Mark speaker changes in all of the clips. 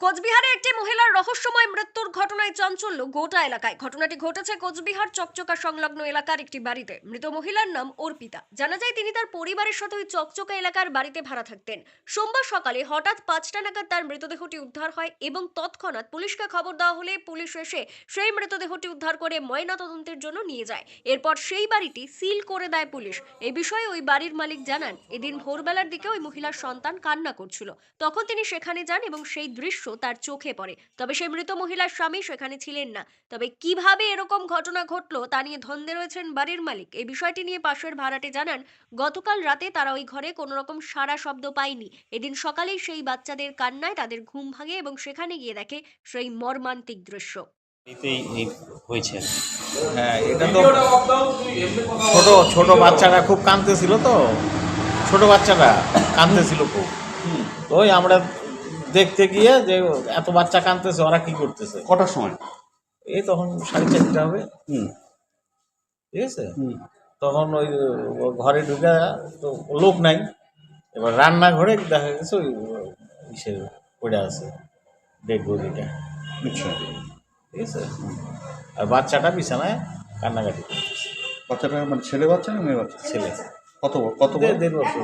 Speaker 1: কোচবিহারে একটি মহিলার রহস্যময় মৃত্যুর ঘটনায় চাঞ্চল্য গোটা এলাকায়। ঘটনাটি ঘটেছে কোচবিহার চকচকা সংলগ্ন এলাকার একটি বাড়িতে। মৃত মহিলার নাম অর্পিতা। জানা যায় তিনি তার পরিবারের সাথে ওই চকচকা এলাকার বাড়িতে ভাড়া থাকতেন। সোমবার সকালে হঠাৎ 5টা নাগাদ তার মৃতদেহটি উদ্ধার হয় এবং তৎক্ষণাৎ পুলিশকে খবর দেওয়া হলে পুলিশ এসে সেই মৃতদেহটি উদ্ধার করে ময়নাতদন্তের জন্য নিয়ে যায়। এরপর সেই বাড়িটি সিল করে দেয় পুলিশ। এই বিষয়ে ওই বাড়ির মালিক জানান, এদিন ভোরবেলার দিকে ওই মহিলার সন্তান কান্না করছিল। তখন তিনি সেখানে যান এবং সেই দৃশ্য তার চোখে পড়ে। তবে সেই মৃত মহিলার স্বামী সেখানে ছিলেন না। তবে কিভাবে এরকম ঘটনা ঘটলো তা নিয়ে ধন্দে রয়েছেন বাড়ির মালিক। এই বিষয়টি নিয়ে পাশের ভাড়াটে জানান, গতকাল রাতে তারা ওই ঘরে কোনো রকম সাড়া শব্দ পায়নি। এদিন সকালেই সেই বাচ্চাদের কান্নায় তাদের ঘুম ভাঙে এবং সেখানে গিয়ে দেখে সেই মর্মান্তিক দৃশ্য।
Speaker 2: হয়েছে।
Speaker 3: হ্যাঁ, এটা তো ছোট ছোট বাচ্চারা খুব কাঁদতেছিল, তো ছোট বাচ্চারা কাঁদতেছিল খুব। তো ওই আমরা দেখতে গিয়ে যে এত বাচ্চা কাঁদতেছে, ওরা কি করতেছে।
Speaker 2: কটার সময়?
Speaker 3: এই তখন 4:30 হবে। ঠিক আছে। তখন ওই ঘরে ঢুকে তো লোক নাই, এবার রান্নাঘরে দেখা গেছে ওই ইসে পড়ে আছে ডেড বডিটা।
Speaker 2: আচ্ছা,
Speaker 3: ঠিক আছে। আর বাচ্চাটা বিছানায় কান্নাকাটি করতেছে।
Speaker 2: বাচ্চাটা মানে ছেলে বাচ্চা না মেয়ে বাচ্চা?
Speaker 3: ছেলে।
Speaker 2: কত কত বড়?
Speaker 3: 1.5 বছর।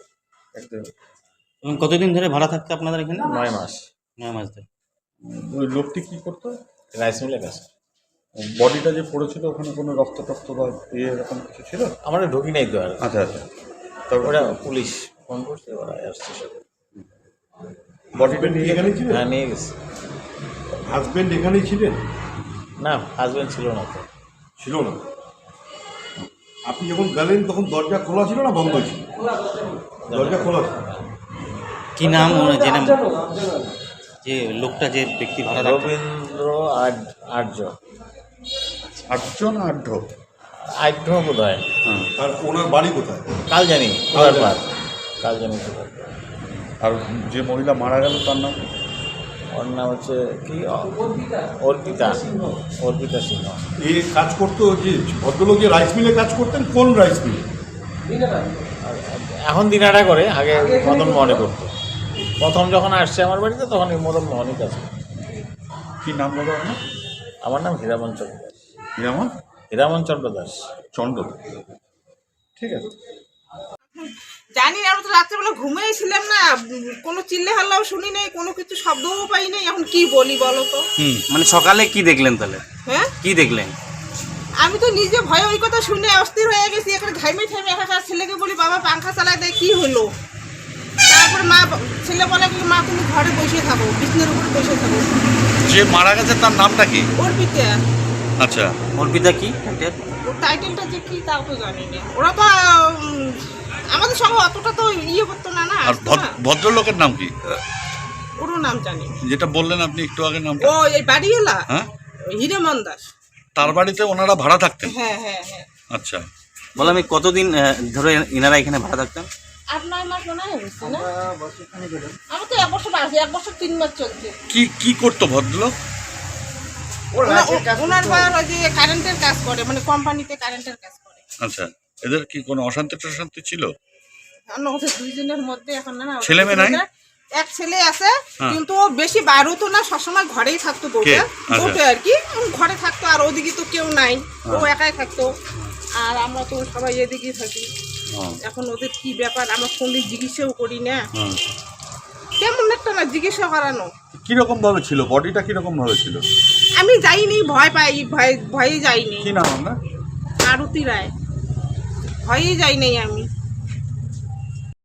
Speaker 4: এবং কতদিন ধরে ভাড়া থাকতে আপনাদের এখানে?
Speaker 3: 9 মাস।
Speaker 4: 9 মাস ধরে।
Speaker 2: ওই লোকটি কি করতো?
Speaker 3: রাইস মিলে কাজ।
Speaker 2: বডিটা যে পড়েছিল ওখানে কোনো রক্ত টক্ত বা এরকম কিছু ছিল?
Speaker 3: আমরা ঢুকি নাই তো আর।
Speaker 2: আচ্ছা আচ্ছা।
Speaker 3: ওরা পুলিশ ফোন করছে, ওরা আসছে সব।
Speaker 2: বডিটা নিয়ে এখানেই ছিলেন?
Speaker 3: হ্যাঁ, নিয়ে গেছে।
Speaker 2: হাজবেন্ড এখানেই ছিলেন?
Speaker 3: না, হাজবেন্ড ছিল না তো।
Speaker 2: ছিল না। আপনি যখন গেলেন তখন দরজা খোলা ছিল না বন্ধ ছিল? দরজা খোলা ছিল।
Speaker 4: কি নাম যে নাম, যে লোকটা, যে ব্যক্তি ভাড়া থাকতো?
Speaker 3: রবীন্দ্র আর্য।
Speaker 2: আটজন আঢ্য।
Speaker 3: আর্য বোধ হয়।
Speaker 2: আর ওনার বাড়ি কোথায়?
Speaker 3: কাল জানি কোথায়। কাল জানি কোথায়।
Speaker 2: আর যে মহিলা মারা গেল তার নাম?
Speaker 3: ওর নাম হচ্ছে কি, অর্পিতা সিংহ।
Speaker 2: এই কাজ করতো যে ভদ্রলোক যে রাইস মিলে কাজ করতেন, কোন রাইস মিলে?
Speaker 3: এখন দিনাটা করে, আগে মদন মোহনে করতো। প্রথম যখন আসছে আমার বাড়িতে তখন এই মদন মোহনই কাজ করতো।
Speaker 2: কি নাম দাদা আপনার?
Speaker 3: আমার নাম হীরামন চন্দ্র দাস।
Speaker 2: আমার
Speaker 3: হীরামন চন্দ্র দাস।
Speaker 2: চন্দ্র। ঠিক আছে।
Speaker 5: জানি না, আমরা তো রাত্রেবেলা ঘুমিয়েছিলাম না, কোনো চিল্লে হাল্লাও শুনি নাই, কোনো কিছু শব্দও পাই নাই। এখন কি বলি বলো তো?
Speaker 4: মানে সকালে কি দেখলেন তাহলে?
Speaker 5: হ্যাঁ,
Speaker 4: কি দেখলেন?
Speaker 5: আমি তো নিজে ভয়ে ওই কথা শুনে অস্থির হয়ে গেছি। এখানে ঘাইমে ঠাইমে একা ছেলেকে বলি, বাবা পাংখা চালায় দেয়, কি হলো? তারপরে ছেলে বলে কি, মা তুমি ঘরে বসে থাকো, বিছনার উপরে বসে থাকো।
Speaker 2: যে মারা গেছে তার নামটা কি?
Speaker 5: অর্পিতা।
Speaker 2: আচ্ছা,
Speaker 4: অর্পিতা কি?
Speaker 5: ওর টাইটেলটা যে কি তাও তো জানি না। ওরা তো আমাদের সঙ্গে অতটা তো ইয়ে করতো না। না,
Speaker 6: আর ভদ্রলোকের নাম কি?
Speaker 5: ওরও নাম জানি না।
Speaker 6: যেটা বললেন আপনি একটু আগে নামটা?
Speaker 5: ও এই বাড়িওয়ালা?
Speaker 6: হ্যাঁ,
Speaker 5: হীরামন দাস।
Speaker 6: তার বাড়িতে ওনারা ভাড়া থাকতেন?
Speaker 5: হ্যাঁ হ্যাঁ হ্যাঁ।
Speaker 6: আচ্ছা,
Speaker 4: বললাম আমি কতদিন ধরে এনারা এখানে ভাড়া থাকতেন?
Speaker 5: 8-9 মাস মনে হয় হয়েছে না? আমার তো 1 বছর আছে, 1 বছর 3 মাস চলছে।
Speaker 6: কি করতো ভদ্রলোক?
Speaker 5: ওনার বাবার ওই যে কারেন্টের কাজ করে, মানে কোম্পানিতে কারেন্টের কাজ করে।
Speaker 6: আচ্ছা, এদের কি কোনো অশান্তি টশান্তি ছিল?
Speaker 5: না, ওদের দুইজনের মধ্যে এখন না।
Speaker 6: ছেলে মেয়ে নাই?
Speaker 5: এক ছেলে আছে,
Speaker 6: হ্যাঁ।
Speaker 5: কিন্তু ও বেশি বাইরে তো না, সবসময় ঘরেই থাকতো। বউটা আর কি ঘরে থাকতো, আর ওদিকে তো কেউ নাই, ও একাই থাকতো। আর আমরা তো সবাই এদিকেই থাকি। এখন ওদের কি ব্যাপার আমরা ফোন দিয়ে জিজ্ঞাসাও করি না। কেমন একটা না জিজ্ঞাসা করানো।
Speaker 2: কিরকম ভাবে ছিল বডিটা? কিরকম ভাবে ছিল?
Speaker 5: আমি যাইনি, ভয় পাই, ভয়ে যাইনি।
Speaker 2: কি নাম আপনার?
Speaker 5: আরতি রায়। ভয়ে যাই নাই আমি।